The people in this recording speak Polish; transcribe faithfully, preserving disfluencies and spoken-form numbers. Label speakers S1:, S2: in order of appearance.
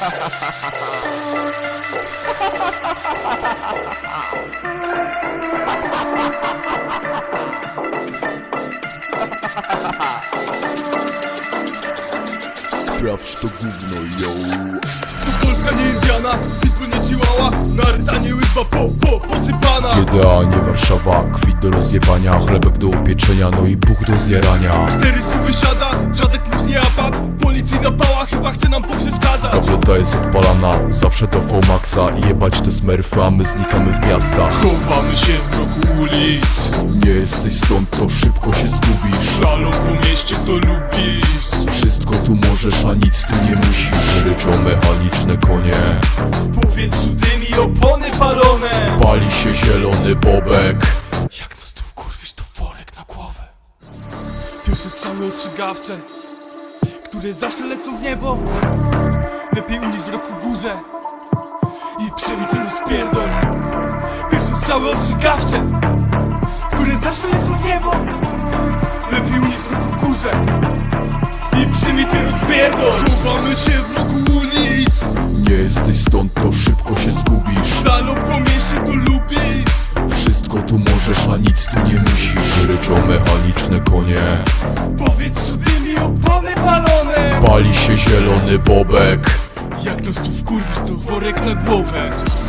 S1: Sprawdź to gówno, yo.
S2: To Polska nie Indiana, pitbull nie Chihuahua, Narta nie łyżwa po, po, posypana.
S1: G D A nie Warszawa, kwit do rozjebania, chlebek do upieczenia, no i buch do zjarania.
S2: czterysta wysiada, żadek plus nie apap. Policji na pała, chyba chce nam poprzeszkadzać.
S1: Tableta jest odpalana, zawsze do V-Maxa. I jebać te smerfy, a my znikamy w miastach.
S2: Chowamy się w mroku ulic,
S1: Nie jesteś stąd, to szybko się zgubisz.
S2: szalą po mieście, to lubisz.
S1: Wszystko tu możesz, a nic tu nie musisz. Ryczą mechaniczne konie,
S2: W powietrzu dym i opony palone.
S1: pali się zielony bobek.
S2: Jak nas tu wkurwisz, to worek na głowę. Pierwsze strzały ostrzegawcze, które zawsze lecą w niebo. Lepiej unieść w roku górze i przyjmij ten rozpierdol. Pierwsze strzały ostrzegawcze, które zawsze lecą w niebo. Lepiej unieść w roku górze i przyjmij ten rozpierdol. Chowamy się w roku ulic,
S1: Nie jesteś stąd, to szybko się zgubisz.
S2: szalą po mieście, to lubisz.
S1: Wszystko tu możesz, a nic tu nie musisz. Ryczą mechaniczne konie,
S2: W powietrzu dym i opony palone.
S1: pali się zielony bobek.
S2: Jak nas tu wkurwisz, to worek na głowę.